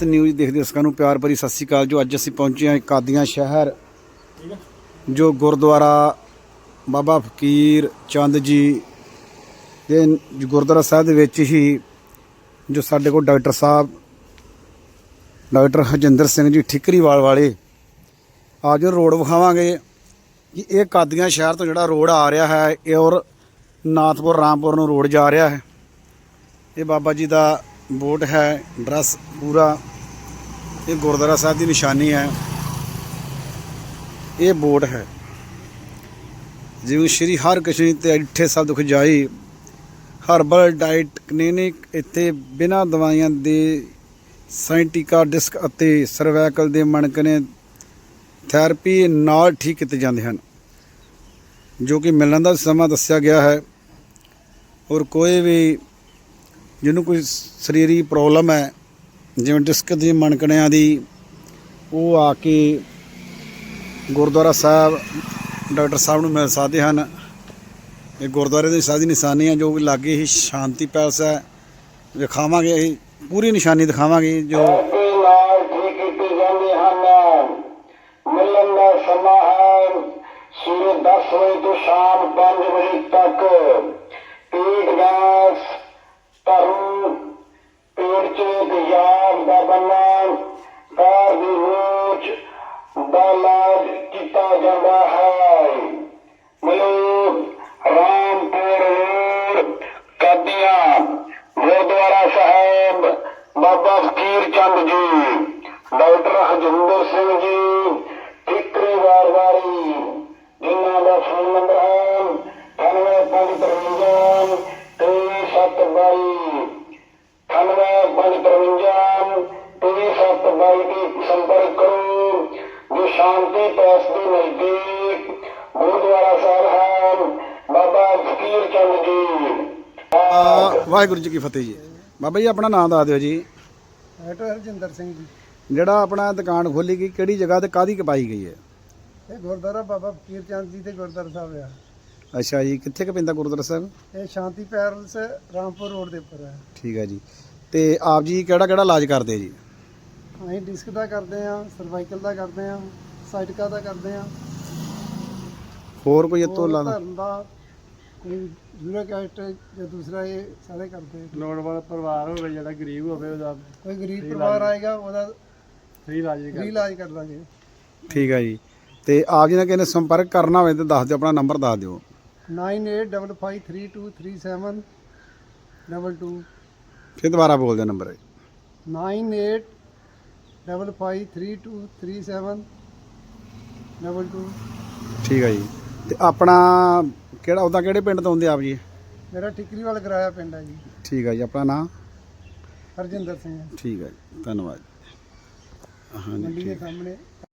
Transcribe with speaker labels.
Speaker 1: News ਦੇਖਦੇ ਦਰਸ਼ਕਾਂ ਨੂੰ ਪਿਆਰ ਭਰੀ ਸਤਿ ਸ਼੍ਰੀ ਅਕਾਲ। ਜੋ ਅੱਜ ਅਸੀਂ ਪਹੁੰਚੇ ਹਾਂ ਕਾਦੀਆਂ ਸ਼ਹਿਰ, ਜੋ ਗੁਰਦੁਆਰਾ ਬਾਬਾ ਫਕੀਰ ਚੰਦ ਜੀ ਦੇ ਗੁਰਦੁਆਰਾ ਸਾਹਿਬ ਦੇ ਵਿੱਚ ਹੀ ਜੋ ਸਾਡੇ ਕੋਲ ਡਾਕਟਰ ਸਾਹਿਬ ਡਾਕਟਰ ਹਰਜਿੰਦਰ ਸਿੰਘ ਜੀ ਠਿਕਰੀਵਾਲ ਵਾਲੇ ਅੱਜ ਰੋਡ ਵਿਖਾਵਾਂਗੇ ਕਿ ਇਹ ਕਾਦੀਆਂ ਸ਼ਹਿਰ ਤੋਂ ਜਿਹੜਾ ਰੋਡ ਆ ਰਿਹਾ ਹੈ ਇਹ ਔਰ ਨਾਥਪੁਰ ਰਾਮਪੁਰ ਨੂੰ ਰੋਡ ਜਾ ਰਿਹਾ ਹੈ। ਇਹ ਬਾਬਾ ਜੀ ਦਾ ਬੋਰਡ ਹੈ, ਡਰੈਸ ਪੂਰਾ ਇਹ ਗੁਰਦੁਆਰਾ ਸਾਹਿਬ ਦੀ ਨਿਸ਼ਾਨੀ ਹੈ। ਇਹ ਬੋਰਡ ਹੈ ਜਿਵੇਂ ਸ਼੍ਰੀ ਹਰਕ੍ਰਿਸ਼ਨ ਤੇ ਇੱਥੇ ਸਭ ਦੁੱਖ ਜਾਈ ਹਰਬਲ ਡਾਈਟ ਕਲੀਨਿਕ। ਇੱਥੇ ਬਿਨਾਂ ਦਵਾਈਆਂ ਦੇ ਸਾਇੰਟਿਕਾ ਡਿਸਕ ਅਤੇ ਸਰਵਾਈਕਲ ਦੇ ਮਣਕਣੇ ਥੈਰੇਪੀ ਨਾਲ ਠੀਕ ਕੀਤੇ ਜਾਂਦੇ ਹਨ, ਜੋ ਕਿ ਮਿਲਣ ਦਾ ਸਮਾਂ ਦੱਸਿਆ ਗਿਆ ਹੈ। ਔਰ ਕੋਈ ਵੀ ਜਿਹਨੂੰ ਕੋਈ ਸਰੀਰਕ ਪ੍ਰੋਬਲਮ ਹੈ ਜਿਵੇਂ ਡਿਸਕ ਦੀ ਮਣਕਣਿਆਂ ਦੀ, ਉਹ ਆ ਕੇ ਗੁਰਦੁਆਰਾ ਸਾਹਿਬ ਡਾਕਟਰ ਸਾਹਿਬ ਨੂੰ ਮਿਲ ਸਕਦੇ ਹਨ। ਇਹ ਗੁਰਦੁਆਰੇ ਦੀ ਸਾਡੀ ਨਿਸ਼ਾਨੀ ਹੈ, ਜੋ ਕਿ ਲਾਗੇ ਹੀ ਸ਼ਾਂਤੀ ਪੈਲਸ ਹੈ। ਦਿਖਾਵਾਂਗੇ ਅਸੀਂ ਪੂਰੀ ਨਿਸ਼ਾਨੀ ਦਿਖਾਵਾਂਗੇ ਜੋ
Speaker 2: ਮਿਲਣ ਦਾ ਸਮਾਂ ਹੈ ਸਵੇਰੇ 10 ਵਜੇ ਤੋਂ ਸ਼ਾਮ 5 ਵਜੇ ਤੱਕ। ਪੇਟ ਗੈਸ, ਧਰਮ, ਪੇਟ ਚ ਤੇਜ਼ਾਬ ਦਾ ਬਣਨਾ, ਪੈਰ ਦੀ ਰੋਚ ਦਾ ਇਲਾਜ ਕੀਤਾ ਜਾਂਦਾ ਹੈ। ਮਿਲੋ ਰਾਮਪੁਰ ਰੋਡ ਕਾਦੀਆਂ, ਗੁਰਦੁਆਰਾ ਸਾਹਿਬ ਬਾਬਾ ਫਕੀਰ ਚੰਦ ਜੀ, ਡਾਕਟਰ ਹਰਜਿੰਦਰ ਸਿੰਘ ਜੀ ਠਿਕਰੀਵਾਲ ਵਾਲੀ, ਜਿਨ੍ਹਾਂ ਦਾ ਫੋਨ ਨੰਬਰ ਹੈ 9853 3722 9853 3722 ਤੇ ਸੰਪਰਕ ਕਰੋ। ਜੋ ਸ਼ਾਂਤੀ ਪੈਸ ਦੇ ਨਜ਼ਦੀਕ ਗੁਰਦੁਆਰਾ ਸਾਹਿਬ ਹੈ ਬਾਬਾ ਫਕੀਰ ਚੰਦ ਜੀ।
Speaker 1: ਵਾਹਿਗੁਰੂ ਜੀ ਕੀ ਫਤਿਹ ਜੀ। ਬਾਬਾ ਜੀ ਆਪਣਾ ਨਾਮ ਦੱਸ ਦਿਓ ਜੀ।
Speaker 3: ਡਾਕਟਰ ਹਰਜਿੰਦਰ ਸਿੰਘ ਜੀ।
Speaker 1: ਜਿਹੜਾ ਆਪਣਾ ਦੁਕਾਨ ਖੋਲੀ ਗਈ ਕਿਹੜੀ ਜਗ੍ਹਾ ਤੇ ਕਾਹਦੀ ਕਪਾਈ ਗਈ ਹੈ?
Speaker 3: ਇਹ ਗੁਰਦੁਆਰਾ ਬਾਬਾ ਫਕੀਰ ਚੰਦ ਜੀ ਦੇ ਗੁਰਦੁਆਰਾ ਸਾਹਿਬ ਆ।
Speaker 1: ਅੱਛਾ ਜੀ, ਕਿੱਥੇ ਕੁ ਪੈਂਦਾ ਗੁਰਦੁਆਰਾ ਸਾਹਿਬ?
Speaker 3: ਇਹ ਸ਼ਾਂਤੀ ਪੈਲਸ ਰਾਮਪੁਰ ਰੋਡ ਦੇ ਉੱਪਰ ਹੈ।
Speaker 1: ਠੀਕ ਹੈ ਜੀ। ਤੇ ਆਪ ਜੀ ਕਿਹੜਾ ਕਿਹੜਾ ਇਲਾਜ ਕਰਦੇ ਜੀ?
Speaker 3: ਅਸੀਂ ਡਿਸਕ ਦਾ ਕਰਦੇ ਆ, ਸਰਵਾਈਕਲ ਦਾ ਕਰਦੇ ਆ, ਸਾਈਟਕਾ ਦਾ ਕਰਦੇ ਆ।
Speaker 1: ਹੋਰ ਕੋਈ ਇਤੋਂ ਇਲਾਵਾ?
Speaker 3: ਧਰਮ ਦਾ ਕੋਈ ਯੂਰਿਕ ਐਸਿਡ ਜਾਂ ਦੂਸਰਾ, ਇਹ ਸਾਰੇ ਕਰਦੇ।
Speaker 4: ਲੋੜ ਵਾਲਾ ਪਰਿਵਾਰ ਹੋਵੇ, ਜਿਹੜਾ ਗਰੀਬ ਹੋਵੇ, ਉਹਦਾ
Speaker 3: ਕੋਈ ਗਰੀਬ ਪਰਿਵਾਰ ਆਏਗਾ ਉਹਦਾ
Speaker 4: ਫ੍ਰੀ ਇਲਾਜ
Speaker 3: ਫ੍ਰੀ ਇਲਾਜ ਕਰ ਦਾਂਗੇ।
Speaker 1: ਠੀਕ ਹੈ ਜੀ। ਤੇ ਆਪ ਜੀ ਨਾਲ ਕਿਸੇ ਨੇ ਸੰਪਰਕ ਕਰਨਾ ਹੋਵੇ ਤਾਂ ਦੱਸ ਦਿਓ, ਆਪਣਾ ਨੰਬਰ ਦੱਸ ਦਿਓ।
Speaker 3: 9855323722।
Speaker 1: ਫਿਰ ਦੁਬਾਰਾ ਬੋਲ ਦਿਓ ਨੰਬਰ।
Speaker 3: 9855323722।
Speaker 1: ਠੀਕ ਹੈ ਜੀ। ਤੇ ਆਪਣਾ ਕਿਹੜਾ ਉਹਦਾ ਕਿਹੜੇ ਪਿੰਡ ਤੋਂ ਆਉਂਦੇ ਆਪ ਜੀ?
Speaker 3: ਮੇਰਾ ਠਿਕਰੀਵਾਲ ਕਰਾਇਆ ਪਿੰਡ ਹੈ ਜੀ।
Speaker 1: ਠੀਕ ਹੈ ਜੀ। ਆਪਣਾ ਨਾਮ?
Speaker 3: ਹਰਜਿੰਦਰ ਸਿੰਘ।
Speaker 1: ਠੀਕ ਹੈ ਜੀ, ਧੰਨਵਾਦ। ਹਾਂਜੀ
Speaker 3: ਮੰਡੀ ਦੇ
Speaker 1: ਠੀਕ ਹੈ।
Speaker 3: ਸਾਹਮਣੇ।